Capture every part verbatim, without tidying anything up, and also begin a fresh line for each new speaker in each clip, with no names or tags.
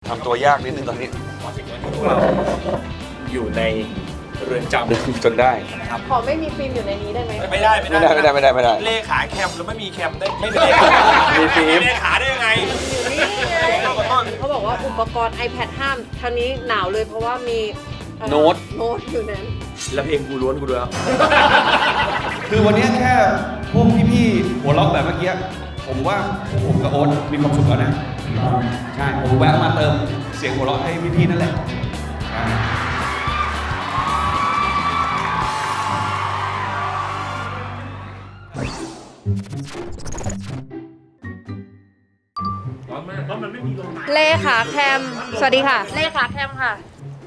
ทำตัวยากนิดนึงตอนนี้
มาถึงวันที่พวกเราอยู่ในเรือนจำ
จนได้
นะครับ
ขอไม่มีฟิล์มอยู่ในนี้ได้ไหม
ไม่ได้
ไม่ได้ไม่ได้ไม่ได้ไม่ได้
เลขาแคมแล้วไม่มีแคมได้ไม่เป็นเลขา
มีฟิล์ม
เลขาได้ยังไง
อยู่นี่ไงเขาบอกว่าอุปกรณ์ iPad ห้ามทางนี้หนาวเลยเพราะว่ามี
โน้ต
โน้ตอยู่นั้น
แล้วเพลงกูล้วนกูด้วย
คือวันนี้แค่พวกพี่ๆหัวล็อกแบบเมื่อกี้ผมว่าผมกับโอ๊ตมีความสุขแล้วนะใช่ผมแวะมาเติมเสียงหัวเราะให้พี่ๆนั่นแหละ
ร้อนมากร้อนมันไม่มีลม
เลขาแคมสวัสดีค่ะเลขาแคมค่ะ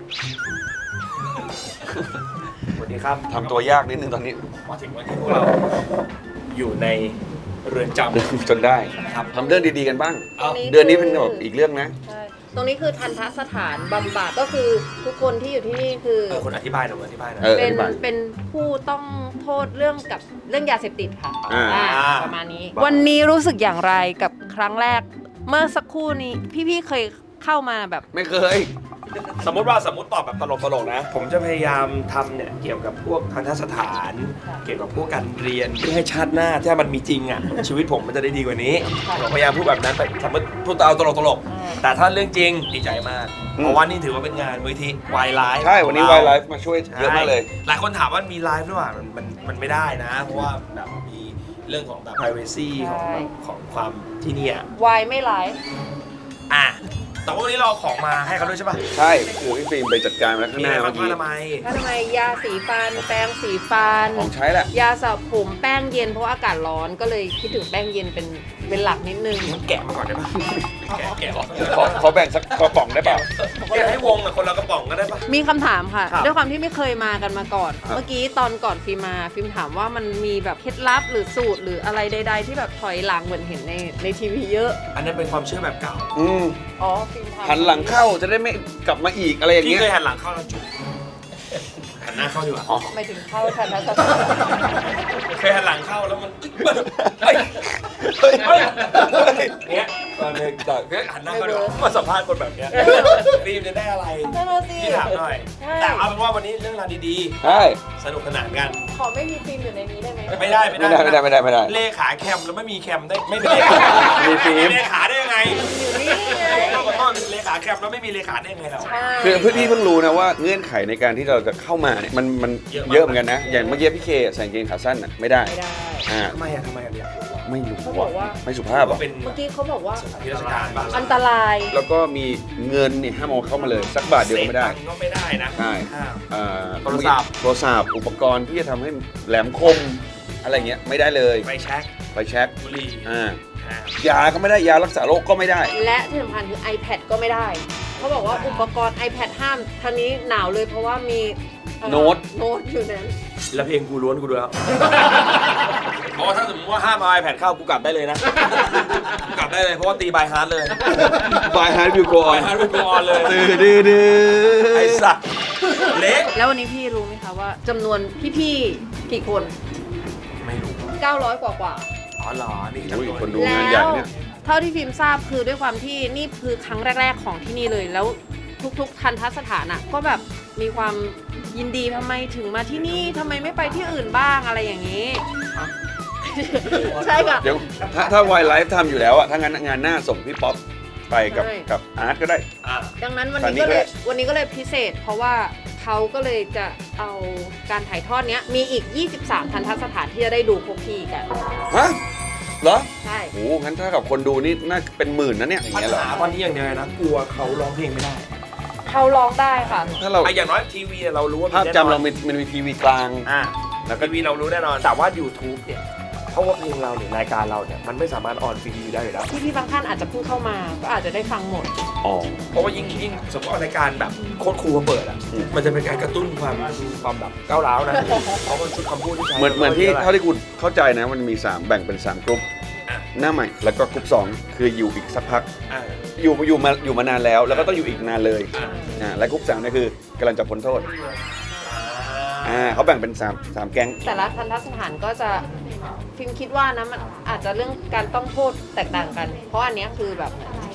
สวัสดีครับ
ทำตัวยากนิดนึงตอนนี้
มาถึงวันที่พวกเราอยู่ในเรือนจำ
จนได้
ครับ
ทำเรื่องดีๆกันบ้างเดือนนี้เป็นแบบอีกเรื่องนะ
ใช่ตรงนี้คือทันทสถานบำบัดก็คือทุกคนที่อยู่ที่นี่คือ
เออคนอธิบายหน่อยอธิบายหน่อย
เป็นเป็นผู้ต้องโทษเรื่องกับเรื่องยาเสพติดค่ะประมาณนี้วันนี้รู้สึกอย่างไรกับครั้งแรกเมื่อสักครู่นี้พี่ๆเคยเข้ามาแบบ
ไม่เคย
สมมติว่าสมมติตอบแบบตลกๆนะผมจะพยายามทำเนี่ยเกี่ยวกับพวกทันตสถานเกี่ยวกับพวกการเรียนเพื่อให้ชาติหน้าถ้ามันมีจริงอ่ะชีวิตผมมันจะได้ดีกว่านี้ผมพยายามพูดแบบนั้นไปสมมติพูดเอาตลกๆแต่ถ้าเรื่องจริงดีใจมากเพราะว่านี่ถือว่าเป็นงานมูลนิธิวายไลฟ์
ใช่วันนี้วายไลฟ์มาช่วยเยอะมากเลย
หลายคนถามว่ามีไลฟ์หรือเปล่ามันมันมันไม่ได้นะเพราะว่าแบบมีเรื่องของแบบ privacy ของของความที่นี่
วายไม่ไลฟ์
อ่ะแต่ว่าวันนี้เราของมาให้เขาด้วยใช่ป่ะ
ใช่คือพี่ฟิล์มไปจัดการมาแล้วข้างหน้าเมื่อกี้
ทำไม
ทำไมยาสีฟันแป้งสีฟัน
ของใช้แหละ
ยาสระผมแป้งเย็นเพราะอากาศร้อนก็เลยคิดถึงแป้งเย็นเป็นเป็นหลักนิดนึง
แกะมาก่อนได้ป่ะแกะแกะ
ขอขอแบ่งสักกระป๋องได้ป่ะ
แกะให้วงอ่ะคนละกระป๋องก็ได้ป่ะ
มีคำถามค่ะด้วยความที่ไม่เคยมากันมาก่อนเมื่อกี้ตอนก่อนฟิล์มมาฟิล์มถามว่ามันมีแบบเคล็ดลับหรือสูตรหรืออะไรใดๆที่แบบถอยหลังเหมือนเห็นในในทีวีเยอะ
อันนั้นเป็นความเชื่อแบบเก่า
อืม
อ๋อฟิล์ม
หันหลังเข้าจะได้ไม่กลับมาอีกอะไรอย่างเงี้ย
พี่เคยหันหลังเข้าแล้วจุ๊บหันหน้าเข้าดีกว่า
อ๋อไม่ถึงเข้าทันทัศน์
เคยหันหลังเข้าแล้วมันเฮ้ยเฮ้ยเฮ้ยเนี้ยตอนนี้ต่อหันหน้าเข้าดีกว่ามาสัมภาษณ์คนแบบเนี้ยฟิล์มจะได้อะไรพี่ถามหน่อยแต่เอาเป็นว่าวันนี้เรื่องราวดี
ๆใช่
สนุกสนานกัน
ขอไม่มีฟิล์มอยู่ในนี้ได้ไหม
ไม่ได้ไม่ได้
ไม่ได้ไม่ได้ไม่ได้
เลขาแคมแล้วไม่มีแคมได้ไม่เป็นเลขา
มีฟิล์ม
เลขาได้ยังไง
อยู่นี่ไง
ขอโทษเลขาแคมแล้วไม่มีเลขาได้ยังไงเรา
คือเพื่อนพี่เพิ่งรู้นะว่าเงื่อนไขในการที่เราจะเข้ามาเนี่ยมันมันเยอะเหมือนกันนะอย่างเมื่อกี้พี่เคใส่กางเกงขาสั้นอ่ะไม่ได้
ไม่ได้
อ่า
ทำไมอ่ะทำไมอ่ะเนี่ย
ไม่รู้
เขาบอกว่า
ไม่สุภาพอ่ะ
เมื่อกี้เขาบอกว่า
ที่ราชการบ้าง
อันตราย
แล้วก็มีเงินนี่ห้ามเอาเข้ามาเลยสักบาทเดียวก็ไม่ได้
ก็ไม่ได้นะ
ใช่
โทรศัพท์
โทรศัพท์อุปกรณ์ที่จะทำให้แหลมคมอะไรเงี้ยไม่ได้เลย
ไฟแช็ก
ไฟแช็ก
บุหรี่
อ่ายาก็ไม่ได้ยารักษาโรคก็ไม่ได้
และที่สำคัญคือ iPad ก็ไม่ได้เขาบอกว่าอุปกรณ์ iPad ห้ามทางนี้หนาวเลยเพราะว่ามี
โน้ต
โน้ตอยู่นั้น
แล้วเพลงกูล้วนกูด้วยเพราะว่าถ้าสมมติว่าห้ามเอา iPad เข้ากูกลับได้เลยนะกลับได้เลยเพราะว่าตีบายฮาร์ดเลย
บายฮาร์ดวิวโกออน
บายฮาร์ดวิวโกออนเลย
ดื้อดื้อดื้อ
ไอ้สัตว์เล็ก
แล้ววันนี้พี่รู้ไหมคะว่าจำนวนพี่ๆกี่คน
ไม่รู้
เก้าร้อยกว่ากว่า
อ๋อเหรอนี่
จำนวนคนดูงานใหญ่เนี่ย
เท่าที่ฟิล์มทราบคือด้วยความที่นี่คือครั้งแรกๆของที่นี่เลยแล้วทุกๆทันทสถานอ่ะก็แบบมีความยินดีทำไมถึงมาที่นี่ทำไมไม่ไปที่อื่นบ้างอะไรอย่างนี้ใช่ค่ะ
เดี๋ยวถ้าถ้าวายไลฟ์ทำอยู่แล้วอะถ้างั้นงานหน้าส่งพี่ป๊อปไปกับกับอาร์ตก็ได้
ดังนั้นวันนี้ก็เลยวันนี้ก็เลยพิเศษเพราะว่าเขาก็เลยจะเอาการถ่ายทอดเนี้ยมีอีกยี่สิบสามทันทสถานที่จะได้ดูพวกพี่กัน
ฮะเหรอ
ใช่
โอ้งั้นถ้ากับคนดูนี่น่าเป็นหมื่นนะเนี่ยอย่าง
เงี้ยเหรอตอนนี้อย่างเดียวนะกลัวเขาร้องเพลงไม่ได้
เขาร้องได้ค่ะ
ถ้าเรา
อย่างน้อยทีวีเรารู้ว่า
ภาพจำเรามันมีทีวีกลาง
อ่าแล้วก็ทีวีเรารู้แน่นอนแต่ว่า YouTube เนี่ยเพราะว่าเพลงเราหรือรายการเราเนี่ยมันไม่สามารถออนฟรีได้อยู่แล้ว
พี่ๆบางท่านอาจจะเพิ่งเข้ามาก็อาจจะได้ฟังหมด
อ๋อ
เพราะว่ายิ่งยิ่งสมมติรายการแบบโคตรครูมาเปิดอ่ะมันจะเป็นการกระตุ้นความความแบบก้าวร้าวนะเพราะมันชุดคำพูดที่ใช้
เหมือนเหมือนที่เท่าที่คุณเข้าใจนะมันมีสามแบ่งเป็นสามกลุ่มหน้าใหม่แล้วก็กลุ่มสองคืออยู่อีกสักพักอยู่อยู่มาอยู่มานานแล้วแล้วก็ต้องอยู่อีกนานเลยอ่าและกลุ่มสามนี่คือกำลังจะพ้นโทษอ่าเขาแบ่งเป็นสามสามแก๊ง
แต่ละทันทสถานก็จะฟิล์มคิดว่านะมันอาจจะเรื่องการต้องโทษแตกต่างกันเพราะอันนี้คือแบบส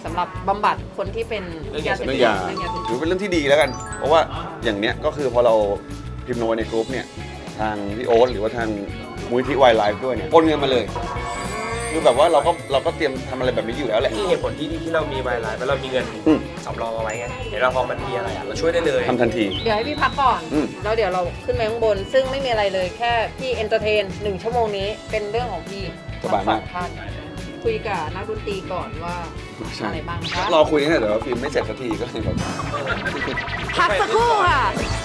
ำหรับบำบัดคนที่เป็นยาเสพ
เรื่อ
ติ
ง
ด
ยา
เรื่องยาเสพ
ถื
ติ
อ
ด
เป็นเรื่องที่ดีแล้วกัน เพราะว่าอย่างเนี้ยก็คือพอเราพิมพ์โนในกรุ๊ปเนี่ยทางพี่โอ๊ตหรือว่าทางมูลที่วายไลฟ์ด้วยเนี่ยโอนเงินมาเลย คือแบบว่าเราก็เราก็เตรียมทำอะไรแบบนี้อยู่แล้วแหละ
นี่เหตุผลที่ที่เรามีไวไลน์เพราะเรามีเงิน
อืม
สำรองเอาไว้ไงเดี๋ยวเราพอมันมีอะไรอะเราช่วยได้เลย
ทำทันที
เดี๋ยวให้พี่พักก่อน
อืม
แล้วเดี๋ยวเราขึ้นไปข้างบน ซึ่งไม่มีอะไรเลยแค่พี่เอนเตอร์เทนหนึ่งชั่วโมงนี้เป็นเรื่องของพี่
สบายมาก
ทั้งสองท่านคุยกับนักดนตรีก่อนว่า
ใช่
อะไรบ้างคะ
รอคุยเนี่ยเดี๋ยวฟิล์มไม่เสร็จสักทีก็เลยแบบ
พักสักครู่ค่ะ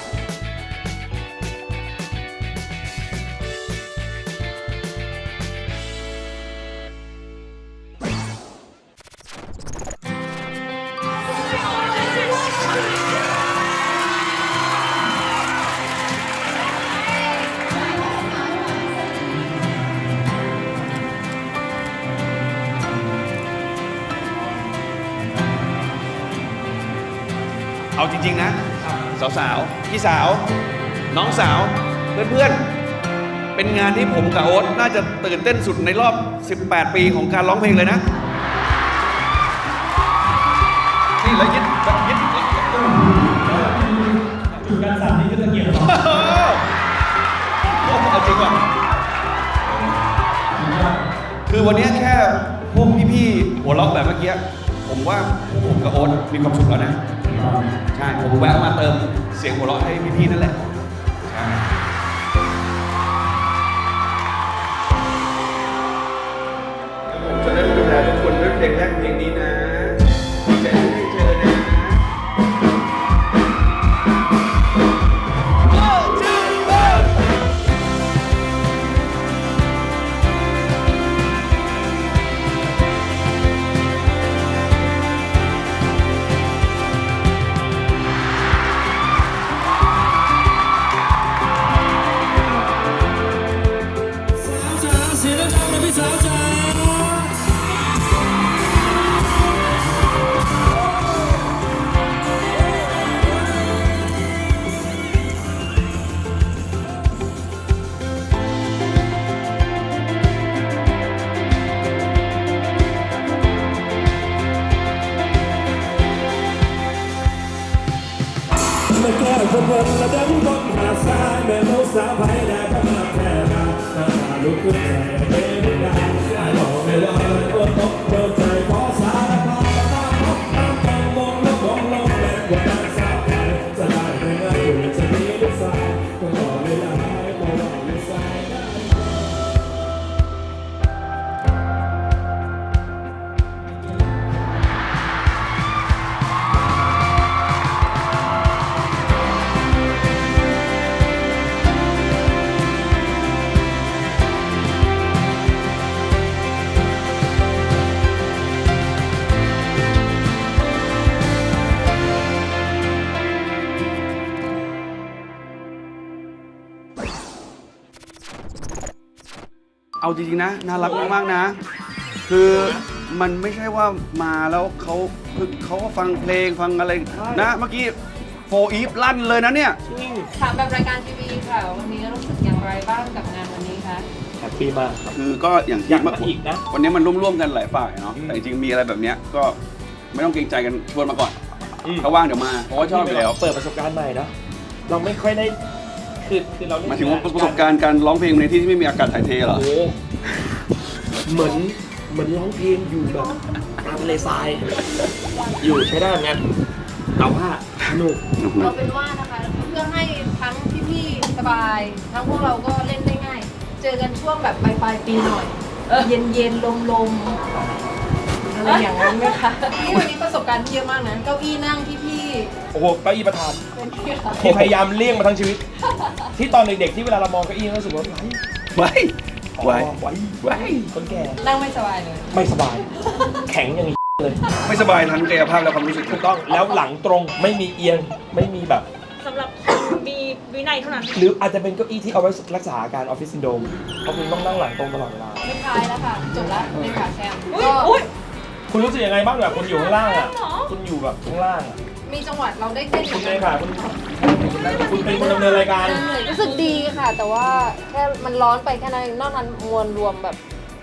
เอาจริงๆนะ สาวๆ พี่สาว น้องสาว เพื่อนๆ เป็นงานที่ผมกับโอ๊ตน่าจะตื่นเต้นสุดในรอบ สิบแปด ปีของการร้องเพลงเลยนะ นี่แล้วยึดแบบยึดการสั่นนี่ก็ตะเกียบเอาจริงว่ะคือวันนี้แค่พวกพี่ๆหัวเราะแบบเมื่อกี้ ผมว่าผมกับโอ๊ตมีความสุขแล้วนะ ใช่ ผมแวะมาเติมเสียงหัวเราะให้พี่ๆนั่นแหละ ใช่ ผมจะได้ดูแลทุกคนด้วยเพลงแรกเพลงนี้นะจะได้เจอนะ
มาแก้คนคนและเดินบนหาดทรายแม่ลูกสาวไผ่แดงก็มาแค่นาหน้าลุกขึ้นใจเป็นดาวไอ้บอกไม่ว่าโอ้ตกเดินใจขอสารภาพมาพบตามต้องมองแล้วมองลงแรงกว่านั้นสาวไผ่จะได้ไม่ง่ายอยู่จะมีลูกสาวก็รอเวลาให้พอว่าลูกสาวได้
เอาจริงๆนะ น่ารักมากๆนะ คือมันไม่ใช่ว่ามาแล้วเขาคือเขาก็ฟังเพลงฟังอะไรนะ เมื่อกี้โฟอีฟลั่นเลยนะเนี่ย
ถามแบบรายการทีวีค่ะ วันนี้รู้สึกอย่างไรบ้างกับงานวันนี้คะ
แฮปปี้มากครับ
คือก็อย่าง
อ
ที่
ยากมา
เมื่อ
อีกนะ
วันนี้มันร่วมๆกันหลายฝ่ายเนาะ แต่จริงๆมีอะไรแบบเนี้ยก็ไม่ต้องเกรงใจกันชวนมาก่อน
อืม
ถ้าว่างเดี๋ยวมา เพราะว่าชอบอยู่แล้ว
เปิดประสบการณ์ใหม่เนาะเราไม่ค่อยได้คือคือเราเล่น
หมายถึงว่าประสบการณ์การร้องเพลงในที่ที่ไม่มีอากาศถ่ายเทเหรอ
โอ้โหเหมือนเหมือนร้องเพลงอยู่แบบกลางทะเลทราย อยู่ใช้ได้เหมือนกันแต่ว่าสนุก
เราเป็นว่านะคะเพื่อให้ทั้งพี่ๆสบาย ทั้งพวกเราก็เล่นได้ง่าย เจอกันช่วงแบบปลายปลายๆปีหน่อย เย็นเย็นลมลมๆอะไรอย่างนั้นไหมคะนี่วันนี้ประสบการณ์เยอะมากนะเก้าอี้นั่งที่พี่
โอ้โหเก้าอี้ประธาน
เป็นที่ค่ะ
ที่พยายามเลี่ยงมาทั้งชีวิต ที่ตอนเด็กๆที่เวลาเรามองเก้าอี้เรารู้สึกว่าไหว
ไว้
ไหว
ไว้
ไหวคนแก่
นั่งไม่สบายเลย
ไม่สบาย แข็งอย่างนี้เลย
ไม่สบายทั้งกายภาพและความรู้สึก
ถูกต้องแล้วหลังตรงไม่มีเอียงไม่มีแบบ
สำหรับมีวินัยเท่านั้น
หรืออาจจะเป็นเก้าอี้ที่เอาไว้รักษาอาการออฟฟิศซินโดรมเพราะคุณต้องนั่งหลังตรงตลอดเวลา
ไม่ทายแล้วค่ะ จบแล้วในขาแซม
อุ้ย
ก็
อุ้ย
คุณรู้สึกยังไงบ้างแบบคุณอยู่ข้างล่างอ่ะ
เหรอ
คุณอยู่แบบข้างล่างอ่ะ
มีจังหวัดเราได้เต้น
คุณเลยค่ะคุณคุณเป็นคนดำเนินรายการ
รู้สึกดีค่ะ แต่ว่าแค่มันร้อนไปแค่นั้นเองนอกนั้นมวลรวมแบบ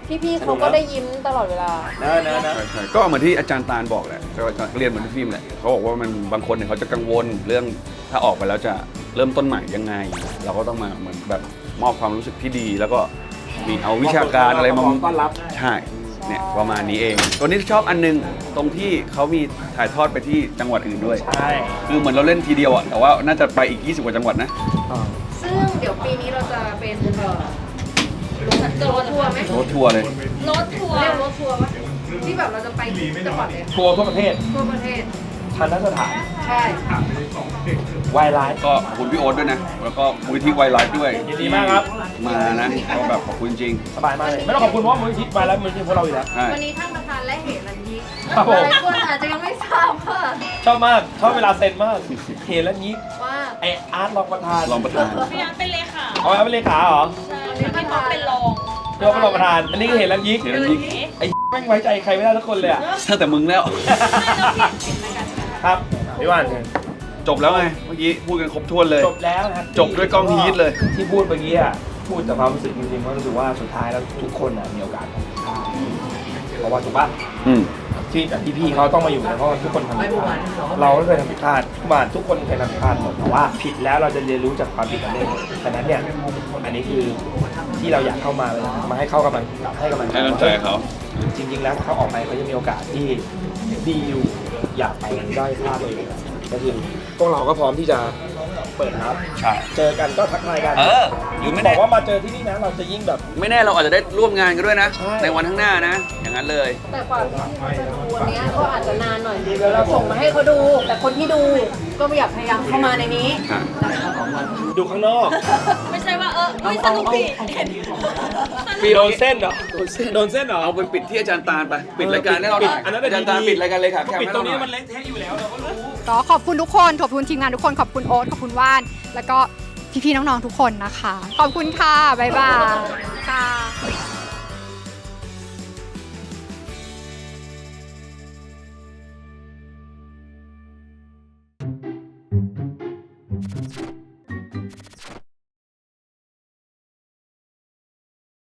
พี่ๆเขาก็ได้ยิ้มตลอดเวลา
นะนะนะ
ใช่ใช่ก็เหมือนที่อาจารย์ตาลบอกแหละก็เรียนเหมือนที่ฟิล์มแหละเขาบอกว่ามันบางคนเนี่ยเขาจะกังวลเรื่องถ้าออกไปแล้วจะเริ่มต้นใหม่ยังไง เราก็ต้องมาเหมือนแบบมอบความรู้สึกที่ดี แล้วก็มีเอาวิชาการอะไรมา
ต้อนรับ
ใช่เนี่ยประมาณนี้เองตัวนี้ชอบอันนึงตรงที่เขามีถ่ายทอดไปที่จังหวัดอื่นด้วย
ใช่
คือเหมือนเราเล่นทีเดียวอ่ะแต่ว่าน่าจะไปอีกยี่สิบกว่าจังหวัดนะ
ซึ่งเดี๋ยวปีนี้เราจะเป็นเอ่อรถทัวร์ไหม
รถทัวร์เลย
รถทัวร์
เรียกรถทัวร์ปะที่แบบเราจะไปทุกจังหวัดเลย
ทัวร์ทั่วประเทศ
ทั่วประเทศ
ทันทสถาน
ใช่
วายไลฟ์
ก็ขอบคุณพี่โอ๊ตด้วยนะแล้วก็มูลนิธิไวไลฟ์ด้วย
ยินดีมากครับ
มานะก็แบบขอบคุณจริง
สบายมากเลย ไม่ต้องขอบคุณเพราะว่ามูลนิธิวายไลฟ์มูลนิธิพวกเราอยู่แล้ว
ใช่
วันนี้ท่านประธานและเหรัญยิก
ครับผม
หลายคนอาจจะยังไม่ทราบว่า
ชอบมาก ชอบเวลาเซ็นมาก เห็นแล้วนี้
ว่า
ไออาร์ตรองประธาน
รองประธาน
พยายามเป็นเลขา
เอาไว้เป็นเลขาเหรอ
ใช่พี่ท็อปเป็นรอง
เรียกว่าเป็นรองประธาน อันนี้ก็เห็นแล้วยิก
เห็นแล้วยิก
ไอ้แม่งไว้ใจใครไม่ได้ทุกคนเลยอะ
ตั้งแต่มึงแล้ว
ครับพี่ว่านเชิญ
จบแล้วไงเมื่อกี้พูดกันครบถ้วนเลย
จบแล้วนะครับ
จบด้วยกล้องฮีทเลย
ที่พูดเมื่อกี้อะพูดจากความรู้สึกจริงๆว่ารู้สึกว่าสุดท้ายแล้วทุกคนอะมีโอกาสเพราะว่าถูกปะ
อืม
ที่แบบพี่ๆเขาต้องมาอยู่เนี่ยเพราะว่าทุกคนทำผิดพลาดเราก็เคยทำผิดพลาดทุกบ้านทุกคนเคยทำผิดพลาดหมดแต่ว่าผิดแล้วเราจะเรียนรู้จากความผิดนั้นเองฉะนั้นเนี่ยอันนี้คือที่เราอยากเข้ามาเลยนะมาให้เข้ากำลังให้กำลัง
ให้กำลังใจเขา
จริงๆแล้วถ้าเขาออกไปเขาจะมีโอกาสที่ดีอยู่อยากไปได้พลาดเลยก็คือพวกเราก็พร้อมที่จะเปิดรับ
ใช่
เจอกันก็ทักทายกัน
เอออยู่ไม่
บ
แน่
อกว่ามาเจอที่นี่นะเราจะยิ่งแบบ
ไม่แน่เราอาจจะได้ร่วมงานกันด้วยนะ
ใช่
ในวันข้างหน้านะ อย่างนั้นเลย
แต่กว่าที่เขาจะดูวันเนี้ยก็อาจจะนานหน่อยเดี๋ยวเราส่งมาให้เขาดู แต่คนที่ดูก็อยากพยายามเข้ามาในนี้
ดูข้างนอก
ไม่ใช่ว่าเออเฮ้ยสนุกดีเห็น
โดนเส้นเหรอโดนเส้นเหรอ
เอาไปปิดที่อาจารย์ตาลไป ปิดรายการให้เรา
ปิด
ถ่าย
อันนั้น
อาจารย์ตาลปิดรายการเลยค่ะแค่
ปิด
ให้
ตร
เรา
ง
ห
นี้
น่อย
มันเละเทะอยู่แล้วเราก็รู้
ก็ขอบคุณทุกคนขอบคุณทีมงานทุกคนขอบคุณโอ๊ตขอบคุณว่าน แล้วก็พี่ๆน้องๆทุกคนนะคะ ขอบคุณค่ะ บ๊ายบายค่ะ